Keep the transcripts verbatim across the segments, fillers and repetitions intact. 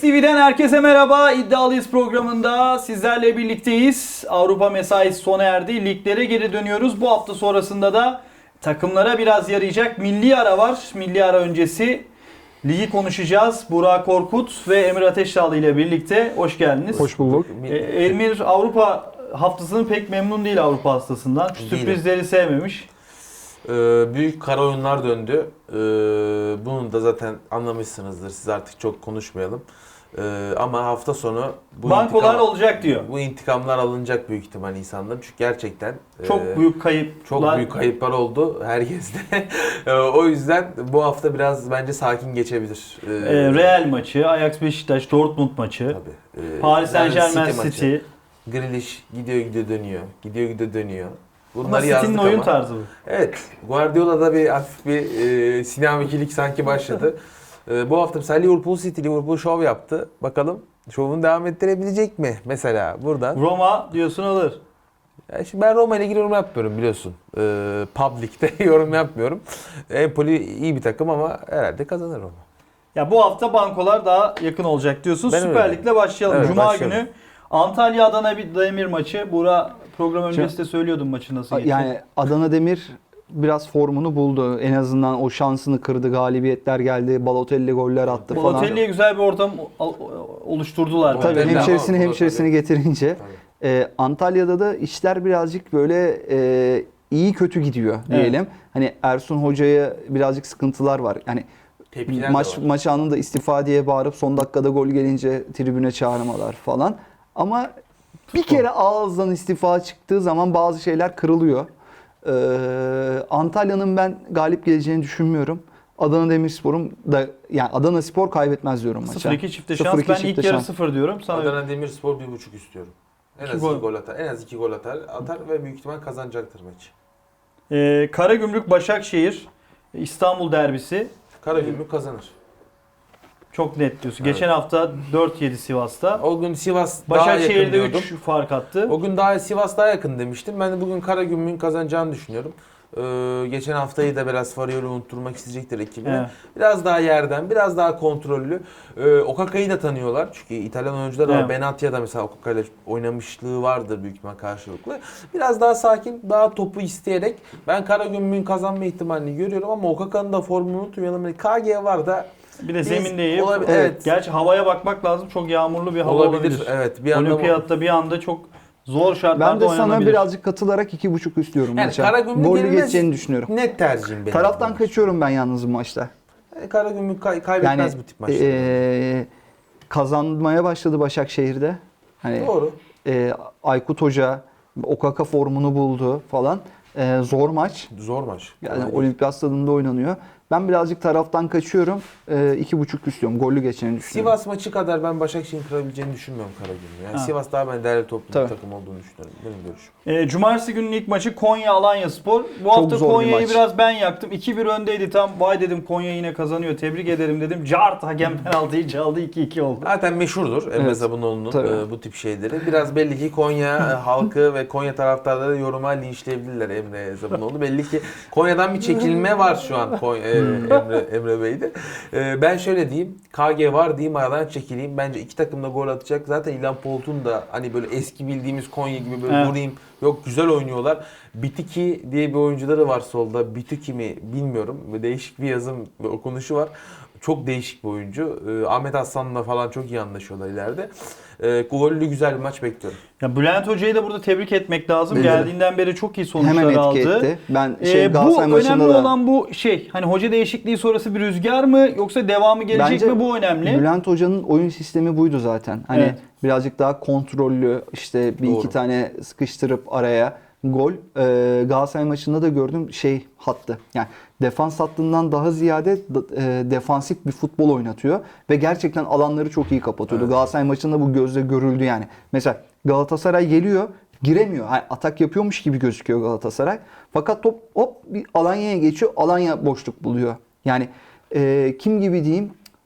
T V'den herkese merhaba. İddialıyız programında sizlerle birlikteyiz. Avrupa mesaisi sona erdi. Liglere geri dönüyoruz. Bu hafta sonrasında da takımlara biraz yarayacak milli ara var. Milli ara öncesi ligi konuşacağız. Burak Korkut ve Emir Ateşdağlı ile birlikte. Hoş geldiniz. Hoş bulduk. Ee, Emir Avrupa haftasının pek memnun değil Avrupa haftasından. Şu sürprizleri sevmemiş. Ee, büyük kara oyunlar döndü. Ee, bunu da zaten anlamışsınızdır. Siz artık çok konuşmayalım. Ee, ama hafta sonu bu bankolar intikam, olacak diyor. Bu intikamlar alınacak büyük ihtimal insanların. Çünkü gerçekten çok e, büyük kayıplar. Çok büyük kayıplar oldu herkeste. O yüzden bu hafta biraz bence sakin geçebilir. Ee, Ee, Real maçı, Ajax Beşiktaş, Dortmund maçı, tabii. Ee, Paris Saint-Germain City maçı. City. Grealish gidiyor gidiyor dönüyor. Gidiyor gidiyor dönüyor. Ama City'nin oyun tarzı bu. Evet. Guardiola'da bir hafif bir e, sinamikilik sanki başladı. e, bu hafta mesela Liverpool City, Liverpool şov yaptı. Bakalım şovunu devam ettirebilecek mi mesela buradan? Roma diyorsun alır. Ya şimdi ben Roma ile ilgili yorum yapmıyorum biliyorsun. E, Public'te yorum yapmıyorum. Empoli iyi bir takım ama herhalde kazanır Roma. Ya bu hafta bankolar daha yakın olacak diyorsun. Ben Süper öyle. Lig'le başlayalım. Evet, Cuma başlayalım. günü Antalya Adana bir Demir maçı. Burak program öncesinde söylüyordum maçı nasıl geçti. Yani Adana Demir biraz formunu buldu. En azından o şansını kırdı. Galibiyetler geldi. Balotelli goller attı falan. Balotelli'ye güzel bir ortam oluşturdular. Tabii, Tabii Balotelli hemşerisini ama- hemşerisini getirince. E, Antalya'da da işler birazcık böyle e, iyi kötü gidiyor diyelim. Evet. Hani Ersun Hoca'ya birazcık sıkıntılar var. Yani Tepkiler maç de var. maç anında istifa diye bağırıp son dakikada gol gelince tribüne çağırmalar falan. Ama bir kere ağızdan istifa çıktığı zaman bazı şeyler kırılıyor. Ee, Antalya'nın ben galip geleceğini düşünmüyorum. Adana Demirspor'un da yani Adana Spor kaybetmez diyorum maça. sıfır iki çifte sıfır şans. iki Ben çifte ilk yarı şans. sıfır diyorum. Sana Adana Demirspor bir buçuk istiyorum. En İki az gol. iki gol atar. En az iki gol atar, atar ve büyük ihtimal kazanacaktır maçı. Ee, Karagümrük Başakşehir İstanbul derbisi. Karagümrük kazanır. Çok net diyorsun. Evet. Geçen hafta dört yedi Sivas'ta. O gün Sivas daha yakın Başakşehir'de diyordum. üç fark attı. O gün daha Sivas daha yakın demiştim. Ben de bugün Karagümrük'ün kazanacağını düşünüyorum. Ee, geçen haftayı da biraz Fariol'u unutturmak isteyecektir ekibine. Evet. Biraz daha yerden, biraz daha kontrollü. Ee, Okaka'yı da tanıyorlar. Çünkü İtalyan oyuncular da var. Evet. Benatia'da mesela Okaka'yla oynamışlığı vardır büyük ihtimal karşılıklı. Biraz daha sakin, daha topu isteyerek ben Karagümrük'ün kazanma ihtimalini görüyorum ama Okaka'nın da formunu unutmayalım. K G var da Bir de Biz- zemin de iyi. olabilir, evet. Gerçi havaya bakmak lazım. Çok yağmurlu bir hava olabilir. olabilir. Evet, bir anda Olimpiyatta bir anda çok zor şartlarda Ben de sana oynanabilir. birazcık katılarak iki buçuk istiyorum Yani maça. Karagümrük Gollü yenilmez. geçeceğini düşünüyorum. net tercihim benim. Taraftan kaçıyorum ben yalnız bu maçta. E, Karagümrük kay- kaybetmez Yani bu tip maçları. e, kazanmaya başladı Başakşehir'de. Hani Doğru. e, Aykut Hoca Okaka formunu buldu falan. E, zor maç. Zor maç. Yani Kolay değil. Olimpiyat Stadında oynanıyor. Ben birazcık taraftan kaçıyorum. E, iki buçuk istiyorum. Gollü geçeceğini düşünüyorum. Sivas maçı kadar ben Başakşehir'in kırabileceğini düşünmüyorum Karagümrük'ün. Yani Ha. Sivas daha ben değerli toplu bir Tabii. takım olduğunu düşünüyorum. Benim görüşüm. E, Cumartesi günün ilk maçı Konya Alanyaspor. Bu hafta zor bir Konya'yı maç. biraz ben yaktım. iki bir öndeydi tam. Vay dedim Konya yine kazanıyor. Tebrik ederim dedim. Cart hakem penaltıyı çaldı. iki iki oldu. Zaten meşhurdur Emre Evet. Zabunoğlu'nun Tabii. e, bu tip şeyleri. Biraz belli ki Konya e, halkı ve Konya taraftarları yoruma linçleyebilirler Emre Zabunoğlu. Belli ki Konya'dan bir çekilme var şu an Konya, e, Emre, Emre Bey'de. E, ben şöyle diyeyim. K G var diyeyim aradan çekileyim. Bence iki takım da gol atacak. Zaten İlhan Poltun da hani böyle eski bildiğimiz Konya gibi böyle Evet. vurayım. Yok güzel oynuyorlar. Bitiki diye bir oyuncuları var solda. Bitiki mi bilmiyorum. Değişik bir yazım ve okunuşu var. Çok değişik bir oyuncu. Ee, Ahmet Aslan'la falan çok iyi anlaşıyorlar ileride. Ee, gollü güzel bir maç bekliyorum. Ya Bülent Hoca'yı da burada tebrik etmek lazım. Bence de. Geldiğinden beri çok iyi sonuçlar Hemen etki aldı. etti. Ben şey Ee, bu Galatasaray önemli maçında da olan bu şey. Hani hoca değişikliği sonrası bir rüzgar mı yoksa devamı gelecek Bence mi bu önemli. Bülent Hoca'nın oyun sistemi buydu zaten. Hani Evet. birazcık daha kontrollü işte bir Doğru. iki tane sıkıştırıp araya gol. Ee, Galatasaray maçında da gördüm şey hattı. Yani defans hattından daha ziyade e, defansif bir futbol oynatıyor ve gerçekten alanları çok iyi kapatıyordu. Evet. Galatasaray maçında bu gözle görüldü yani. Mesela Galatasaray geliyor, giremiyor. Hani atak yapıyormuş gibi gözüküyor Galatasaray. Fakat top hop bir Alanya'ya geçiyor. Alanya boşluk buluyor. Yani e, kim gibi diyeyim?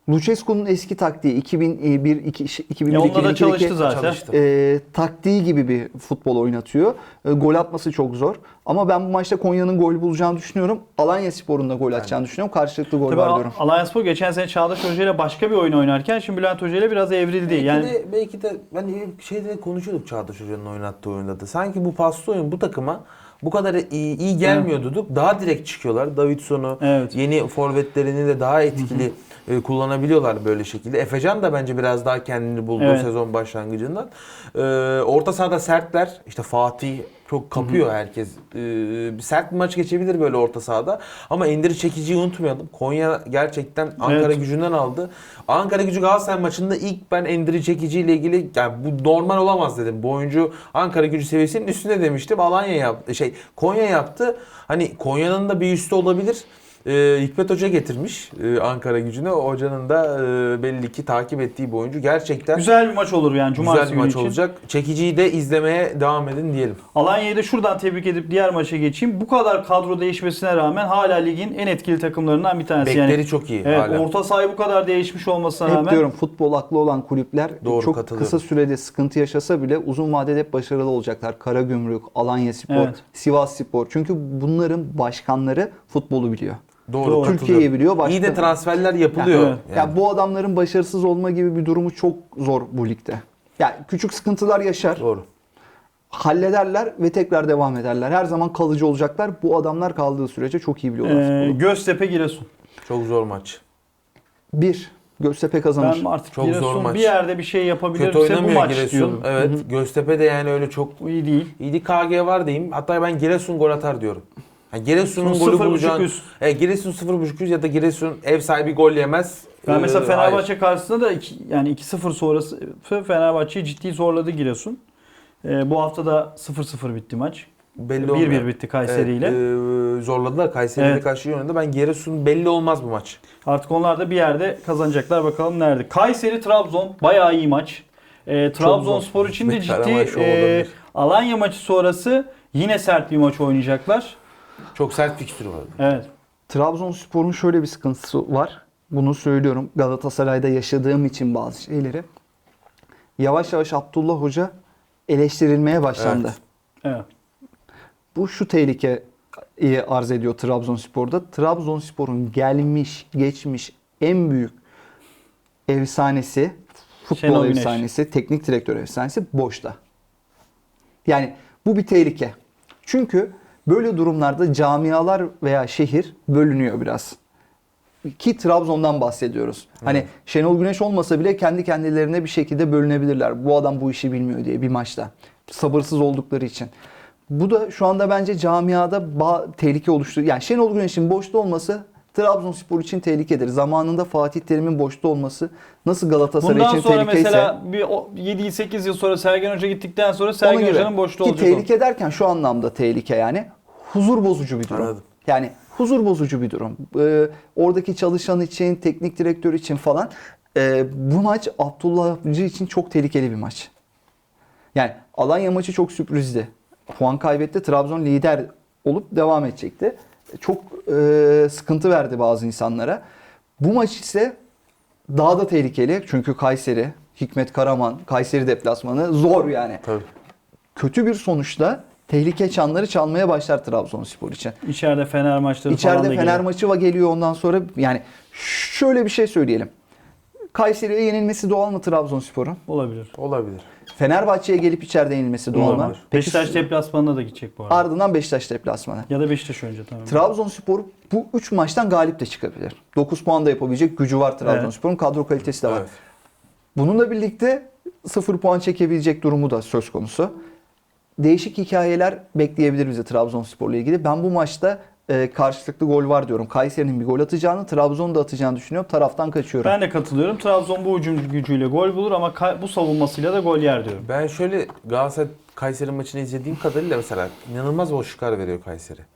Lucescu'nun eski taktiği iki bin bir iki iki bin bir Ya onda da iki bin iki çalıştı zaten. Çalıştı. e, taktiği gibi bir futbol oynatıyor. E, gol atması çok zor. Ama ben bu maçta Konya'nın gol bulacağını düşünüyorum. Alanyaspor'un da gol atacağını düşünüyorum. Karşılıklı gol Tabii var diyorum. Alanyaspor geçen sene Çağdaş Hoca ile başka bir oyun oynarken şimdi Bülent Hoca ile biraz evrildi. Belki Yani de, belki de hani şeyde konuşuyorduk Çağdaş Hoca'nın oynattığı oyunda da. Sanki bu paslı oyun bu takıma bu kadar iyi, iyi gelmiyordu. Daha direkt çıkıyorlar. Davidson'u, Evet. yeni forvetlerini de daha etkili e, kullanabiliyorlar böyle şekilde. Efecan da bence biraz daha kendini buldu Evet. sezon başlangıcından. E, orta sahada sertler. İşte Fatih çok kapıyor herkes. E, bir sert bir maç geçebilir böyle orta sahada. Ama Endiri Çekici'yi unutmayalım. Konya gerçekten Ankara Evet. Gücü'nden aldı. Ankara Gücü Galatasaray maçında ilk ben Endiri Çekici ile ilgili yani bu normal olamaz dedim. Bu oyuncu Ankara Gücü seviyesinin üstünde demiştim. Alanya yaptı. Şey Konya yaptı. Hani Konya'nın da bir üstü olabilir. Ee, Hikmet Hoca getirmiş e, Ankara Gücü'ne. O hocanın da e, belli ki takip ettiği bir oyuncu. Gerçekten güzel bir maç olur yani cumartesi güzel bir maç günü için. olacak. Çekiciyi de izlemeye devam edin diyelim. Alanya'yı da şuradan tebrik edip diğer maça geçeyim. Bu kadar kadro değişmesine rağmen hala ligin en etkili takımlarından bir tanesi. Bekleri yani, çok iyi evet, hala. orta sahayı bu kadar değişmiş olmasına Hep rağmen diyorum futbol aklı olan kulüpler Doğru, çok katılıyorum. kısa sürede sıkıntı yaşasa bile uzun vadede hep başarılı olacaklar. Karagümrük, Alanyaspor, Evet. Sivasspor. Çünkü bunların başkanları futbolu biliyor. Doğru. Doğru. katılıyorum. Türkiye'yi biliyor. Başka... İyi de transferler yapılıyor. Ya, evet. Yani. Ya bu adamların başarısız olma gibi bir durumu çok zor bu ligde. Ya küçük sıkıntılar yaşar, Doğru. hallederler ve tekrar devam ederler. Her zaman kalıcı olacaklar. Bu adamlar kaldığı sürece çok iyi biliyorlar Ee, futbolu. Göztepe Giresun. Çok zor maç. Bir, Göztepe kazanır. Ben artık Çok zor Giresun maç. bir yerde bir şey Kötü yapabilirse bu oynamıyor maç Giresun. diyorum. Evet. Göztepe de yani öyle çok İyi değil. İyi K G var diyeyim. Hatta ben Giresun gol atar diyorum. Yani Giresun'un Sıfır golü buçuk bulacağını... üst. Evet, Giresun sıfır buçuk üst ya da Giresun ev sahibi gol yemez. Ben mesela Ee, Fenerbahçe hayır. karşısında da iki, yani iki sıfır sonrası Fenerbahçe'yi ciddi zorladı Giresun. Ee, bu hafta da sıfır sıfır bitti maç. Belli bir olmuyor. bir bitti Kayseri ile. Evet, e, zorladılar. Kayseri'yle Evet. karşı iyi oynadı. Ben Giresun belli olmaz bu maç. Artık onlar da bir yerde kazanacaklar. Bakalım nerede. Kayseri Trabzon bayağı iyi maç. Ee, Trabzonspor için de Bir ciddi Karaman şovu e, olabilir. Alanya maçı sonrası yine sert bir maç oynayacaklar. Çok sert fikstürü var. Evet. Trabzonspor'un şöyle bir sıkıntısı var. Bunu söylüyorum Galatasaray'da yaşadığım için bazı şeyleri. Yavaş yavaş Abdullah Hoca eleştirilmeye başlandı. Evet. Evet. Bu şu tehlikeyi arz ediyor Trabzonspor'da. Trabzonspor'un gelmiş, geçmiş en büyük efsanesi, futbol Şenol Güneş. efsanesi, teknik direktör efsanesi boşta. Yani bu bir tehlike. Çünkü böyle durumlarda camialar veya şehir bölünüyor biraz. Ki Trabzon'dan bahsediyoruz. Hani Şenol Güneş olmasa bile kendi kendilerine bir şekilde bölünebilirler. Bu adam bu işi bilmiyor diye bir maçta. Sabırsız oldukları için. Bu da şu anda bence camiada ba- tehlike oluşturuyor. Yani Şenol Güneş'in boşta olması Trabzonspor için tehlikedir. Zamanında Fatih Terim'in boşta olması nasıl Galatasaray Bundan için sonra tehlikeyse. mesela bir o- yedi sekiz yıl sonra Sergen Hoca gittikten sonra Sergen Onun gibi. Hoca'nın boşta Ki olacak o. tehlike derken şu anlamda tehlike yani. Huzur bozucu bir durum. Anladım. Yani huzur bozucu bir durum. Ee, oradaki çalışan için, teknik direktör için falan. Ee, bu maç Abdullah Avcı için çok tehlikeli bir maç. Yani Alanya maçı çok sürprizdi. Puan kaybetti. Trabzon lider olup devam edecekti. Çok e, sıkıntı verdi bazı insanlara. Bu maç ise daha da tehlikeli. Çünkü Kayseri, Hikmet Karaman, Kayseri deplasmanı zor yani. Tabii. Kötü bir sonuçta tehlike çanları çalmaya başlar Trabzonspor için. İçeride Fener maçları falan İçeride da Fener geliyor. maçı va geliyor ondan sonra yani şöyle bir şey söyleyelim. Kayseri'ye yenilmesi doğal mı Trabzonspor'un? Olabilir. Olabilir. Fenerbahçe'ye gelip içeride yenilmesi doğal mı? Olabilir. Peki, Beşiktaş deplasmanına da gidecek bu arada. ardından Beşiktaş deplasmanı. Ya da Beşiktaş önce tamam. Trabzonspor bu üç maçtan galip de çıkabilir. dokuz puan da yapabilecek gücü var Trabzonspor'un. Kadro kalitesi de var. Evet. Bununla birlikte sıfır puan çekebilecek durumu da söz konusu. Değişik hikayeler bekleyebilir bize Trabzonspor'la ilgili. Ben bu maçta e, karşılıklı gol var diyorum. Kayseri'nin bir gol atacağını, Trabzon'un da atacağını düşünüyorum. Taraftan kaçıyorum. Ben de katılıyorum. Trabzon bu hücum gücüyle gol bulur ama ka- bu savunmasıyla da gol yer diyorum. Ben şöyle Galatasaray Kayseri maçını izlediğim kadarıyla mesela inanılmaz boşluklar veriyor Kayseri.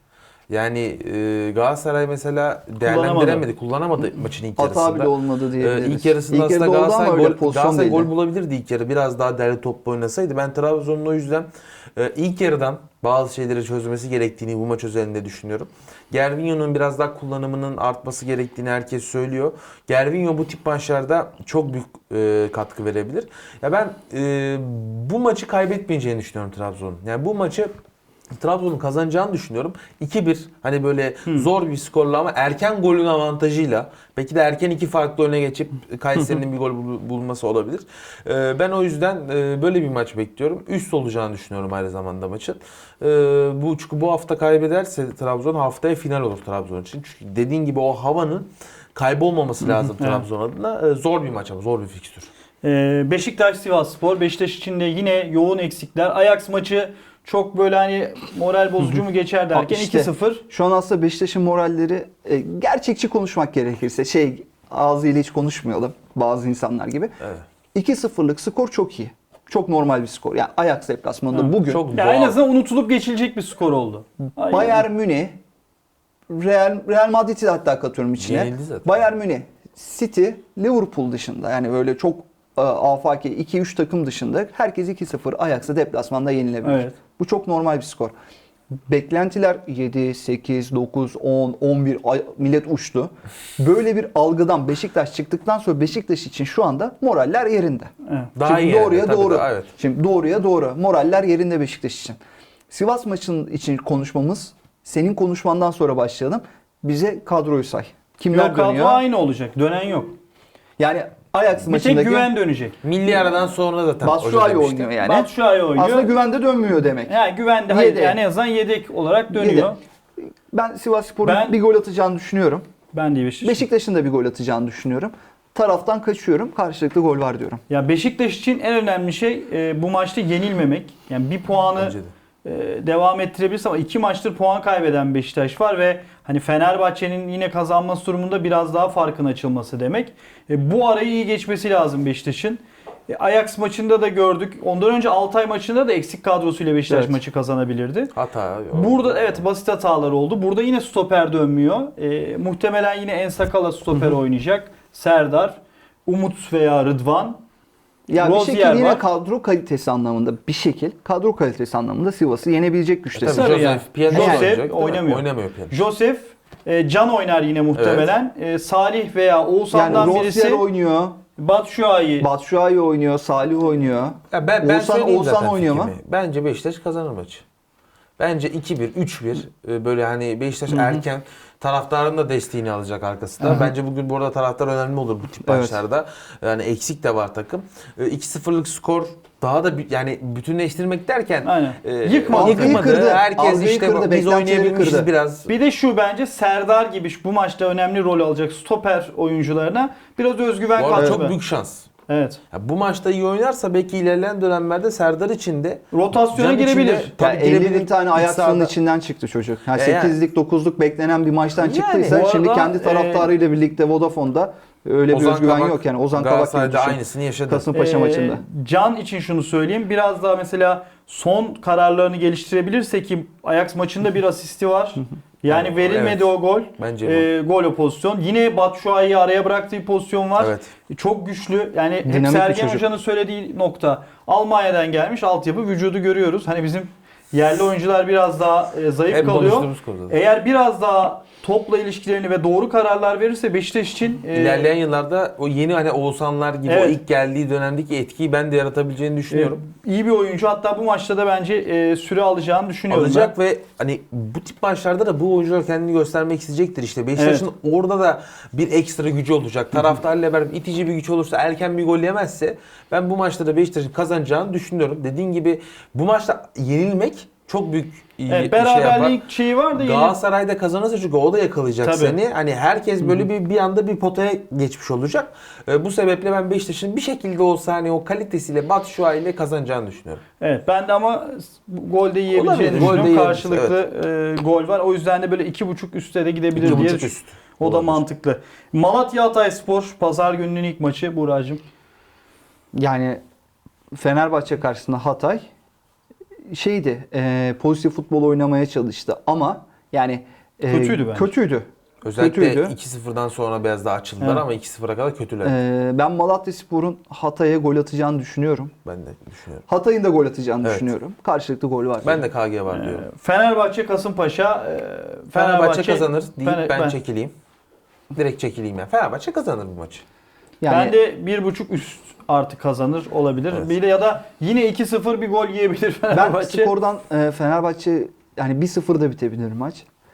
Yani e, Galatasaray mesela değerlendiremedi, kullanamadı maçın ilk Hata yarısında. bile olmadı Ee, diyebiliriz. ilk yarısında İlk aslında yarıda oldu ama Galatasaray, öyle gol, pozisyon Galatasaray gol değildi. bulabilirdi ilk yarı. Biraz daha derli toplu oynasaydı. Ben Trabzon'un o yüzden e, ilk yarıdan bazı şeyleri çözmesi gerektiğini bu maç özelinde düşünüyorum. Gervinho'nun biraz daha kullanımının artması gerektiğini herkes söylüyor. Gervinho bu tip maçlarda çok büyük e, katkı verebilir. Ya ben e, bu maçı kaybetmeyeceğini düşünüyorum Trabzon'un. Yani bu maçı Trabzon'un kazanacağını düşünüyorum. iki bir hani böyle Hmm. zor bir skorla ama erken golün avantajıyla belki de erken iki farklı öne geçip Kayseri'nin bir gol bul- bulması olabilir. Ee, ben o yüzden e, böyle bir maç bekliyorum. Üst olacağını düşünüyorum aynı zamanda maçın. Ee, bu çünkü bu hafta kaybederse Trabzon haftaya final olur Trabzon için. Çünkü dediğin gibi o havanın kaybolmaması lazım Evet. Trabzon adına. Ee, zor bir maç ama zor bir fikstür. Ee, Beşiktaş Sivasspor. Beşiktaş için de yine yoğun eksikler. Ajax maçı çok böyle hani moral bozucu mu geçer derken İşte, iki sıfır. Şu an aslında Beşiktaş'ın moralleri e, gerçekçi konuşmak gerekirse şey ağzıyla hiç konuşmayalım bazı insanlar gibi. Evet. iki sıfırlık skor çok iyi. Çok normal bir skor. Yani Ajax deplasmanında Ha, bugün çok Ya en doğal. azından unutulup geçilecek bir skor oldu. Aynen. Bayern Münih, Real, Real Madrid'i de hatta katıyorum içine. Yenildi zaten. Bayern Münih, City, Liverpool dışında yani böyle çok e, afaki iki üç takım dışında herkes iki sıfır Ajax'a deplasmanda yenilebilir. Evet. Bu çok normal bir skor. Beklentiler yedi, sekiz, dokuz, on, on bir ay- millet uçtu. Böyle bir algıdan Beşiktaş çıktıktan sonra Beşiktaş için şu anda moraller yerinde. Evet. Daha Şimdi iyi doğruya yani, tabii doğru. de, evet. Şimdi doğruya doğru. Moraller yerinde Beşiktaş için. Sivas maçının için konuşmamız senin konuşmandan sonra başlayalım. Bize kadroyu say. Kimler Yok, kadro dönüyor? aynı olacak. Dönen yok. Yani Ajax Bir tek maçındaki güven dönecek. Milli aradan sonra zaten Batshuayi hoca demişti. oynuyor yani. Batshuayi oynuyor. Aslında güvende dönmüyor demek. Yani güvende hayır Yedek. yani en azından yedek olarak dönüyor. Yedek. Ben Sivasspor'un Ben- bir gol atacağını düşünüyorum. Ben de Beşiktaş. Beşiktaş'ın da bir gol atacağını düşünüyorum. Taraftan kaçıyorum. Karşılıklı gol var diyorum. Ya Beşiktaş için en önemli şey e, bu maçta yenilmemek. Yani bir puanı Bence de. e, devam ettirebilirse ama iki maçtır puan kaybeden Beşiktaş var ve hani Fenerbahçe'nin yine kazanması durumunda biraz daha farkın açılması demek. E, bu arayı iyi geçmesi lazım Beşiktaş'ın. E, Ajax maçında da gördük. Ondan önce Altay maçında da eksik kadrosuyla Beşiktaş Evet. maçı kazanabilirdi. Hata. Burada evet basit hatalar oldu. Burada yine stoper dönmüyor. E, muhtemelen yine Ensakala stoper oynayacak. Serdar, Umut veya Rıdvan. Ya bir Rozier şekilde yine var. kadro kalitesi anlamında bir şekil kadro kalitesi anlamında Sivas'ı yenebilecek güçte. Tabii Sarı Joseph yani. Piyano Joseph oynayacak, değil mi? oynamıyor. Oynamıyor Piyano. Joseph, e, Can oynar yine muhtemelen. E, Salih veya Yani Oğuzhan'dan Rozier birisi. oynuyor, Batshuayi. Batshuayi oynuyor, Salih oynuyor. Ya ben, ben Oğuzhan- söyleyeyim Oğuzhan zaten oynuyor fikrimi. Bence Beşiktaş kazanır maçı. Bence iki bir, üç bir e, böyle hani Beşiktaş erken taraftarın da desteğini alacak arkasında. Bence bugün bu arada taraftar önemli olur bu tip Evet. maçlarda. Yani eksik de var takım. E, iki sıfırlık skor daha da bir- yani bütünleştirmek derken Aynen. e, Yıkmadı. Algıyı kırdı. Herkes Algıyı işte kırdı, biz beklentileri oynayabilmişiz kırdı. biraz. Bir de şu bence Serdar gibi bu maçta önemli rol alacak stoper oyuncularına biraz özgüven Bu arada kattı. çok büyük şans. Evet. Ya bu maçta iyi oynarsa belki ilerleyen dönemlerde Serdar için de Rotasyona Can girebilir. içinde- Ya Tabii elli girebilir. bin tane İç Ajax'ın sahada. içinden çıktı çocuk. Yani E yani. sekizlik dokuzluk beklenen bir maçtan Yani, çıktıysa bu şimdi arada, kendi taraftarıyla birlikte Vodafone'da öyle bir Ozan özgüven Kabak, yok yani. Ozan Kabak gibi Galatasaray'da düşün. aynısını yaşadı. Kasımpaşa Ee, maçında. Can için şunu söyleyeyim. Biraz daha mesela son kararlarını geliştirebilirse ki Ajax maçında bir asisti var. Yani Evet. verilmedi o gol. Bence Ee, gol o pozisyon. Yine Batshuayi'yi araya bıraktığı bir pozisyon var. Evet. Çok güçlü. Yani hep Dinamik bir Sergen çocuk. Hoca'nın söylediği nokta. Almanya'dan gelmiş altyapı vücudu görüyoruz. Hani bizim yerli oyuncular biraz daha e, zayıf Hep kalıyor. konuştuğumuz konu zaten. Eğer biraz daha topla ilişkilerini ve doğru kararlar verirse Beşiktaş için e, İlerleyen yıllarda o yeni hani Oğuzhanlar gibi Evet. o ilk geldiği dönemdeki etkiyi ben de yaratabileceğini düşünüyorum. e, iyi bir oyuncu. Hatta bu maçta da bence e, süre alacağını düşünüyorum. Alacak ve hani bu tip maçlarda da bu oyuncular kendini göstermek isteyecektir işte. Beşiktaş'ın orada da bir ekstra gücü olacak. Taraftarla beraber itici bir güç olursa, erken bir gol yemezse ben bu maçta da Beşiktaş'ın kazanacağını düşünüyorum. Dediğin gibi bu maçta yenilmek çok büyük iyi Evet, bir şey yapar. beraberlik şeyi var da yine Galatasaray'da kazanırsa çünkü o da yakalayacak Tabii. seni. Hani herkes böyle bir bir anda bir potaya geçmiş olacak. Ee, bu sebeple ben Beşiktaş'ın bir şekilde olsa hani o kalitesiyle Batshuayi ile kazanacağını düşünüyorum. evet ben de ama bu golde yiyebileceğini Olabilir, düşünüyorum. golde yiyebilir, Karşılıklı e, gol var. O yüzden de böyle iki buçuk üstte de gidebilir İki diye buçuk düşün- üst. O da Olabilir. mantıklı. Malatya Hatayspor pazar gününün ilk maçı Buracığım. Yani Fenerbahçe karşısında Hatay şeydi, e, pozitif futbol oynamaya çalıştı ama yani Ee, Kötüydü bence. Kötüydü. Özellikle Kötüydü. iki sıfırdan sonra biraz daha açıldılar Evet. ama iki sıfıra kadar kötüler. Ee, ben Malatyaspor'un Hatay'a gol atacağını düşünüyorum. Ben de düşünüyorum. Hatay'ın da gol atacağını Evet. düşünüyorum. Karşılıklı gol var. Ben de K G var diyorum. Ee, Fenerbahçe Kasımpaşa e, Fenerbahçe kazanır deyip Fener- ben, ben- çekileyim. Direkt çekileyim ya. Fenerbahçe kazanır bu maçı. Yani Ben de bir buçuk üst artı kazanır olabilir. Evet. Bir de ya da yine iki sıfır bir gol yiyebilir ben Fenerbahçe. skordan e, Fenerbahçe yani bir sıfır da bitebilir maç.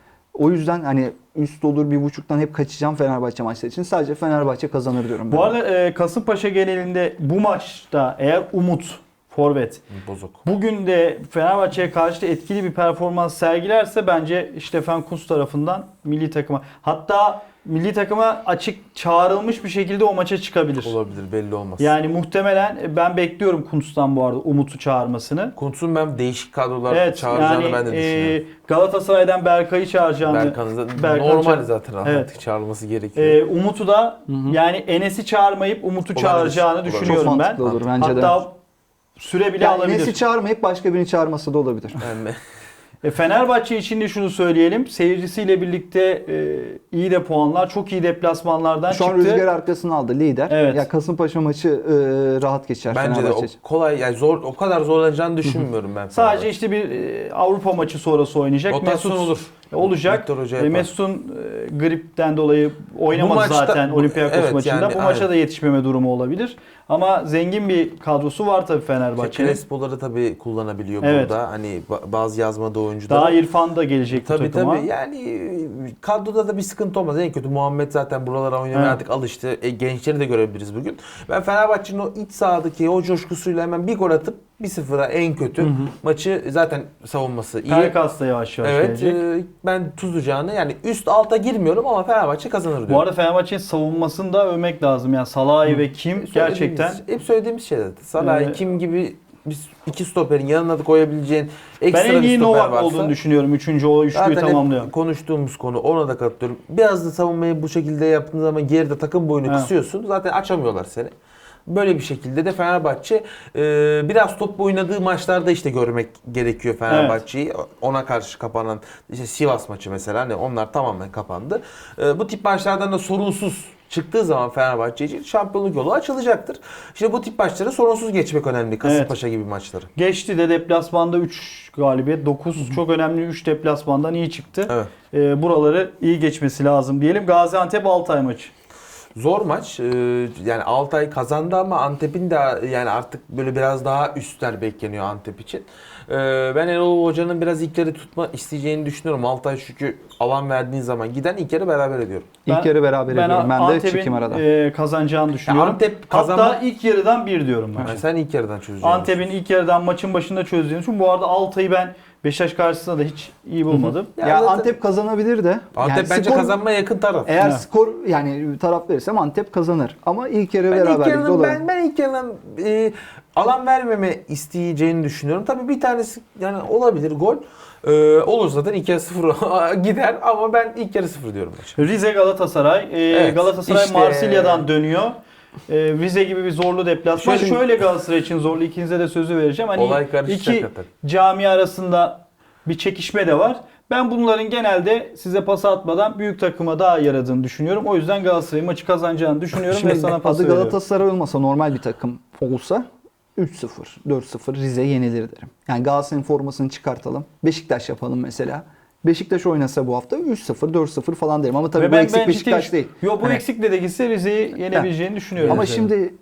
O yüzden hani üst olur bir buçuktan hep kaçacağım Fenerbahçe maçları için. Sadece Fenerbahçe kazanır diyorum. Bu ben. arada e, Kasımpaşa genelinde bu maçta eğer Umut forvet Bozuk. bugün de Fenerbahçe'ye karşı da etkili bir performans sergilerse bence Stefan Kuntz tarafından milli takıma, hatta milli takıma açık çağrılmış bir şekilde o maça çıkabilir. Olabilir, belli olmaz. Yani muhtemelen e, ben bekliyorum Kuntz'tan bu arada Umut'u çağırmasını. Kuntz'un ben değişik kadrolar Evet çağıracağını yani ben de düşünüyorum. e, Galatasaray'dan Berkay'ı çağıracağını. Berkan'ı da Berkan normal çağır- zaten Evet. artık çağrılması gerekiyor. e, Umut'u da yani Enes'i çağırmayıp Umut'u Olabilir, çağıracağını olabilir. Çok düşünüyorum ben. mantıklı olur bence de. Hatta süre bile Yani alabilir. Enes'i çağırmayıp başka birini çağırması da olabilir. Yani E, Fenerbahçe için de şunu söyleyelim. Seyircisiyle birlikte e, iyi de puanlar, çok iyi deplasmanlardan Şu an çıktı. rüzgar arkasını aldı lider. Evet. Ya Kasımpaşa maçı e, rahat geçer bence de o Fenerbahçe için. kolay yani zor o kadar zorlanacağını düşünmüyorum ben. Sadece işte bir e, Avrupa maçı sonrası oynayacak. rotasyon Mesut olur. olacak. Viktor Hoca E, yapar. Mesut'un e, gripten dolayı oynamadı Bu maçta- zaten bu- Olympiakos evet, maçında. yani Bu maça aynen. da yetişmeme durumu olabilir. Ama zengin bir kadrosu var tabii İşte Fenerbahçe'nin. Crespo'ları tabii kullanabiliyor Evet. burada. Hani ba- bazı yazmada oyuncular. Daha İrfan da gelecek bu Tabii takıma. tabii yani kadroda da bir sıkıntı olmaz. En kötü Muhammed zaten buralara oynamaya Evet. artık alıştı. E, gençleri de görebiliriz bugün. Ben Fenerbahçe'nin o iç sahadaki o coşkusuyla hemen bir gol atıp bir sıfıra en kötü Hı hı. maçı zaten savunması iyi. Pelkas da yavaş yavaş Evet gelecek. e, ben tuzlayacağını yani üst alta girmiyorum ama Fenerbahçe kazanır diyorum. Bu arada Fenerbahçe'nin savunmasını da övmek lazım. Yani Salah'ı ve Kim Söylediğimiz- gerçekten hep söylediğimiz şey zaten. Salah, Ee, Kim gibi biz iki stoperin yanına da koyabileceğin ekstra ben en bir iyi stoper Novak varsa. olduğunu düşünüyorum. Üçüncü o üçlüyü Zaten hep tamamlıyor. konuştuğumuz konu, ona da katılıyorum. Biraz da savunmayı bu şekilde yaptığın zaman geride takım boyunu Evet. kısıyorsun. Zaten açamıyorlar seni. Böyle bir şekilde de Fenerbahçe e, biraz top oynadığı maçlarda işte görmek gerekiyor Fenerbahçe'yi. Ona karşı kapanan işte Sivas maçı mesela hani onlar tamamen kapandı. E, bu tip maçlardan da sorunsuz çıktığı zaman Fenerbahçe için şampiyonluk yolu açılacaktır. İşte bu tip maçları sorunsuz geçmek önemli. Kasımpaşa gibi maçları. Geçti de deplasmanda üç galibiyet, dokuz çok önemli üç deplasmandan iyi çıktı. Evet. Ee, buraları iyi geçmesi lazım diyelim. Gaziantep Altay maçı. Zor maç. Ee, Yani Altay kazandı ama Antep'in de yani artık böyle biraz daha üstler bekleniyor Antep için. Ee, Ben Erol Hoca'nın biraz ilkleri tutma isteyeceğini düşünüyorum. Altay çünkü alan verdiğin zaman giden ilk yarı beraber ediyorum. İlk Ben- yarı beraber ediyorum. Ben de Antep'in çekeyim arada. e, kazanacağını düşünüyorum. Antep kazanma- Hatta ilk yarıdan bir diyorum ben. Yani sen ilk yarıdan çözeceksin. Antep'in ilk yarıdan maçın başında çözdüğünü için bu arada Altay'ı ben Beşiktaş karşısında da hiç iyi bulmadım. Ya Ya, zaten- Antep kazanabilir de. Antep Yani bence skor- kazanmaya yakın taraf. Eğer Evet. skor yani taraf verirsem Antep kazanır. Ama ilk yarı Ben ilk beraberlikte yarının olur. ben, ben ilk yarının e, alan vermeme isteyeceğini düşünüyorum. Tabii bir tanesi yani olabilir gol. Ee, olur zaten iki sıfır gider ama ben ilk yarı sıfır diyorum maçı. Rize Galatasaray. Ee, Evet, Galatasaray işte- Marsilya'dan dönüyor. Ee, Rize gibi bir zorlu deplasman. Şöyle- Şöyle Galatasaray için zorlu. İkinize de sözü vereceğim. Hani Olay karışacak iki zaten. cami arasında bir çekişme de var. Ben bunların genelde size pas atmadan büyük takıma daha yaradığını düşünüyorum. O yüzden Galatasaray'ın maçı kazanacağını düşünüyorum Şimdi ve sana pas adı veriyorum. Galatasaray olmasa normal bir takım olsa üç sıfır, dört sıfır Rize yenilir derim. Yani Galatasaray'ın formasını çıkartalım. Beşiktaş yapalım mesela. Beşiktaş oynasa bu hafta üç sıfır, dört sıfır falan derim. Ama tabii Ve bu ben- eksik ben Beşiktaş ciddi- değil. Yok bu Hani- eksikle de gitse Rize'yi yenebileceğini düşünüyorum. Ama Rize'nin. şimdi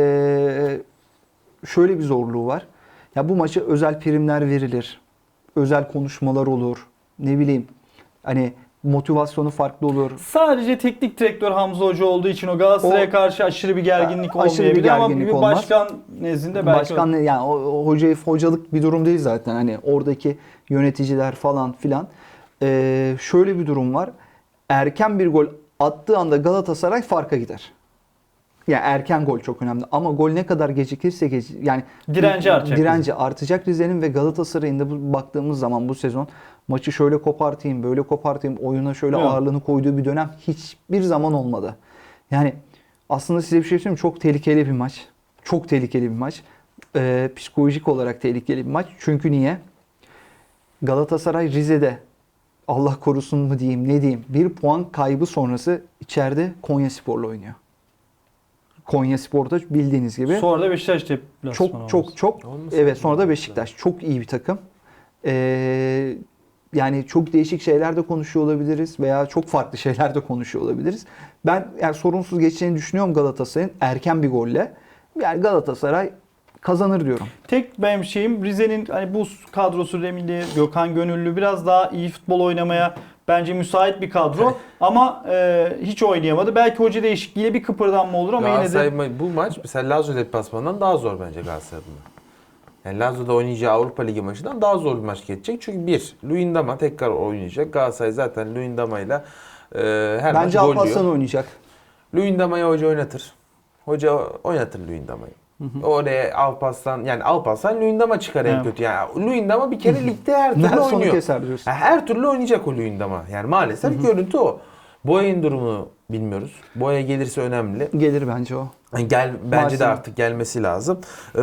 eee, şöyle bir zorluğu var. Ya bu maça özel primler verilir. Özel konuşmalar olur. Ne bileyim hani motivasyonu farklı olur. Sadece teknik direktör Hamza Hoca olduğu için o Galatasaray'a O- karşı aşırı bir gerginlik Aşırı bir olmayabilir ama gerginlik bir olmaz. başkan nezdinde belki Başkan ne- yani o, o hocayı hocalık bir durum değil zaten. Hani oradaki yöneticiler falan filan. Ee, şöyle bir durum var. Erken bir gol attığı anda Galatasaray farka gider. Yani erken gol çok önemli ama gol ne kadar gecikirse gec- yani Direnci artacak. Direnci artacak Rize'nin ve Galatasaray'ın da bu, baktığımız zaman bu sezon maçı şöyle kopartayım, böyle kopartayım, oyuna şöyle Evet. ağırlığını koyduğu bir dönem hiçbir zaman olmadı. Yani aslında size bir şey söyleyeyim mi? Çok tehlikeli bir maç. Çok tehlikeli bir maç. Ee, psikolojik olarak tehlikeli bir maç. Çünkü niye? Galatasaray Rize'de Allah korusun mu diyeyim ne diyeyim bir puan kaybı sonrası içeride Konyaspor'la oynuyor. Konyaspor'da bildiğiniz gibi Sonra da Beşiktaş deplasmanı çok çok çok Olmasın evet mı? sonra da Beşiktaş çok iyi bir takım. Ee, yani çok değişik şeyler de konuşuyor olabiliriz veya çok farklı şeyler de konuşuyor olabiliriz. Ben yani sorunsuz geçeceğini düşünüyorum Galatasaray'ın erken bir golle. Yani Galatasaray kazanır diyorum. Tek benim şeyim Rize'nin hani bu kadrosu Remili, Gökhan Gönüllü biraz daha iyi futbol oynamaya bence müsait bir kadro ama e, hiç oynayamadı. Belki hoca değişikliğiyle bir kıpırdanma olur ama yine Galatasaray de ma- bu maç mesela Lazio deplasmanından daha zor bence Galatasaray'ın. Yani Lazio'da oynayacağı Avrupa Ligi maçından daha zor bir maç geçecek. Çünkü bir, Luyendama tekrar oynayacak. Galatasaray zaten Luyendama'yla e, her Bence maç gol Alparslan yiyor. oynayacak. Luyendama'yı hoca oynatır. Hoca oynatır Luyendama'yı. Oraya Alparslan yani Alparslan Luyendama çıkar en Evet. kötü. Yani Luyendama bir kere ligde her türlü Nelson'u oynuyor. keser diyorsun. Yani her türlü oynayacak o Luyendama. Yani maalesef görüntü o. Boya'nın durumunu bilmiyoruz. Boya gelirse önemli. Gelir bence o. Yani Gel bence Maalesef. de artık gelmesi lazım. Ee,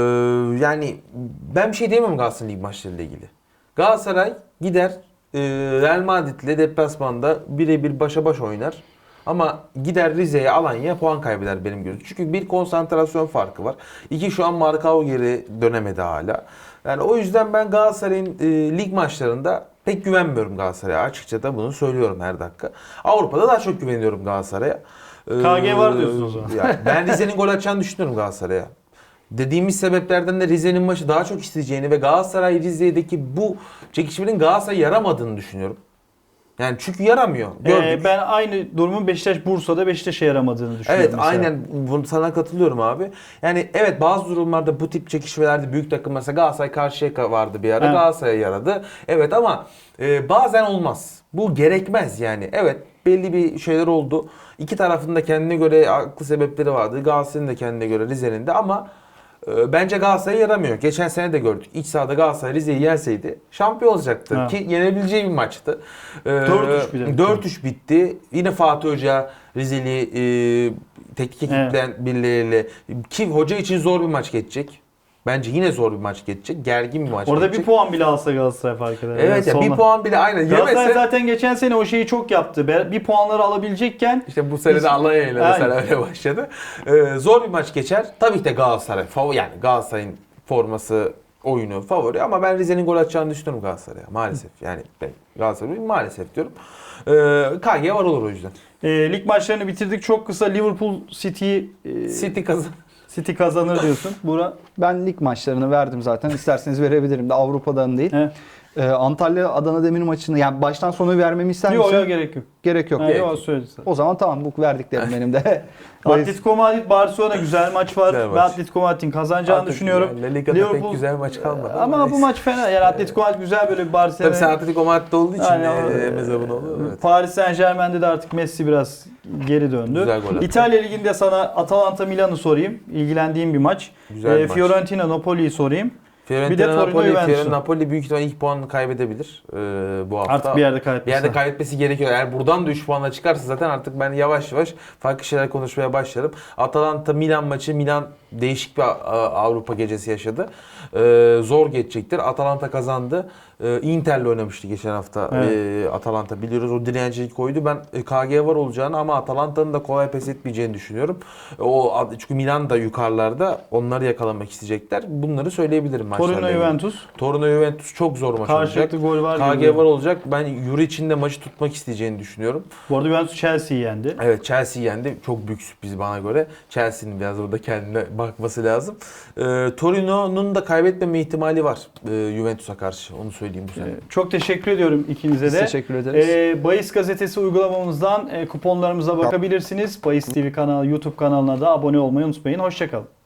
yani ben bir şey diyemem Galatasaray lig maçlarıyla ilgili. Galatasaray gider e, Real Madrid'le deplasmanda birebir başa baş oynar. Ama gider Rize'ye, Alanya'ya puan kaybeder benim gözüm. Çünkü bir konsantrasyon farkı var. İki şu an Markao geri dönemedi hala. Yani o yüzden ben Galatasaray'ın e, lig maçlarında pek güvenmiyorum Galatasaray'a. Açıkça da bunu söylüyorum her dakika. Avrupa'da daha çok güveniyorum Galatasaray'a. Ee, K G var diyorsun o zaman. yani ben Rize'nin gol atacağını düşünüyorum Galatasaray'a. Dediğimiz sebeplerden de Rize'nin maçı daha çok isteyeceğini ve Galatasaray Rize'deki bu çekişmenin Galatasaray'a yaramadığını düşünüyorum. Yani çünkü yaramıyor. Gördük. e, ben aynı durumun Beşiktaş Bursa'da Beşiktaş'a yaramadığını düşünüyorum. Evet mesela. aynen bunu sana katılıyorum abi. Yani evet bazı durumlarda bu tip çekişmelerde büyük takım mesela Galatasaray Karşıyaka vardı bir ara Evet. Galatasaray'a yaradı. Evet ama e, bazen olmaz. Bu gerekmez yani. Evet belli bir şeyler oldu. İki tarafın da kendine göre haklı sebepleri vardı. Galatasaray'ın da kendine göre Rize'nin de ama e, bence Galatasaray'a yaramıyor. Geçen sene de gördük. İç sahada Galatasaray Rize'yi yenseydi şampiyon olacaktı. Evet. Ki yenebileceği bir maçtı. E, dört üç bir de. dört üç bitti. Yine Fatih Hoca Rizeli e, teknik ekipten birileriyle ki hoca için zor bir maç geçecek. Bence yine zor bir maç geçecek. Gergin bir maç Orada geçecek. bir puan bile alsa Galatasaray fark eder. Evet ya Yani bir sonra- puan bile aynen Galatasaray yemese zaten geçen sene o şeyi çok yaptı. Be- Bir puanları alabilecekken işte bu sene Hiç- de Alanya'yla mesela Aynen. öyle başladı. Ee, zor bir maç geçer. Tabii ki de Galatasaray favori yani Galatasaray'ın forması oyunu favori ama ben Rize'nin gol atacağını düşünüyorum Galatasaray'a. Maalesef yani ben Galatasaray'ın maalesef diyorum. Ee, K G var olur o yüzden. e, lig maçlarını bitirdik. Çok kısa Liverpool City e, City kazan. City kazanır diyorsun. Bura Ben lig maçlarını verdim zaten. İsterseniz verebilirim de Avrupa'dan değil. he. Ee, Antalya Adana Demir maçını yani baştan sona vermemi ister misin? Yok yok gerek yok. Gerek yok. Ha, Gerek yok yok. söyledi zaten. O zaman tamam bu verdiklerim benim de. Atletico Madrid Barcelona güzel maç var. Güzel maç. Ben Atletico Madrid'in kazanacağını Artık düşünüyorum. yani La Liga'da Liverpool- pek güzel maç kalmadı. Ama bu neyse. maç fena. Yani Atletico Madrid güzel böyle bir Tabii Barcelona. sen Atletico Madrid'de olduğu için Aynen, e, o- Emre Zabunoğlu. Evet. Paris Saint Germain'de de artık Messi biraz geri döndü. Güzel gol attı. İtalya Ligi'nde sana Atalanta Milan'ı sorayım. İlgilendiğim bir maç. Güzel bir Ee, maç. Fiorentina Napoli'yi sorayım. Fiorentina Bir de Torino Napoli, Juventus'u. Fiorentina Napoli büyük ihtimalle ilk puanını kaybedebilir e, bu hafta. Artık bir yerde Bir kaybetmesi. yerde kaybetmesi gerekiyor. Eğer buradan da üç puanla çıkarsa zaten artık ben yavaş yavaş farklı şeyler konuşmaya başlarım. Atalanta Milan maçı. Milan değişik bir a- Avrupa gecesi yaşadı. Ee, zor geçecektir. Atalanta kazandı. Ee, Inter'le oynamıştı geçen hafta Evet. ee, Atalanta biliyoruz. O direnciyi koydu. Ben e, K G var olacağını ama Atalanta'nın da kolay pes etmeyeceğini düşünüyorum. O çünkü Milan da yukarılarda. Onları yakalamak isteyecekler. Bunları söyleyebilirim maçlarla Torino ilgili. Juventus. Torino Juventus çok zor maç olacak. Karşılıklı gol var. K gibi. G var olacak. Ben Euro için de maçı tutmak isteyeceğini düşünüyorum. Bu arada Juventus Chelsea'yi yendi. Evet Chelsea yendi. Çok büyük sürpriz bana göre. Chelsea'nin biraz burada kendine bakması lazım. Ee, Torino'nun da kaybetmeme ihtimali var e, Juventus'a karşı. Onu söyleyeyim bu sene. Ee, Çok teşekkür ediyorum ikinize Biz de. teşekkür ederiz. Ee, Bahis gazetesi uygulamamızdan e, kuponlarımıza bakabilirsiniz. Bahis T V kanalı, YouTube kanalına da abone olmayı unutmayın. Hoşçakalın.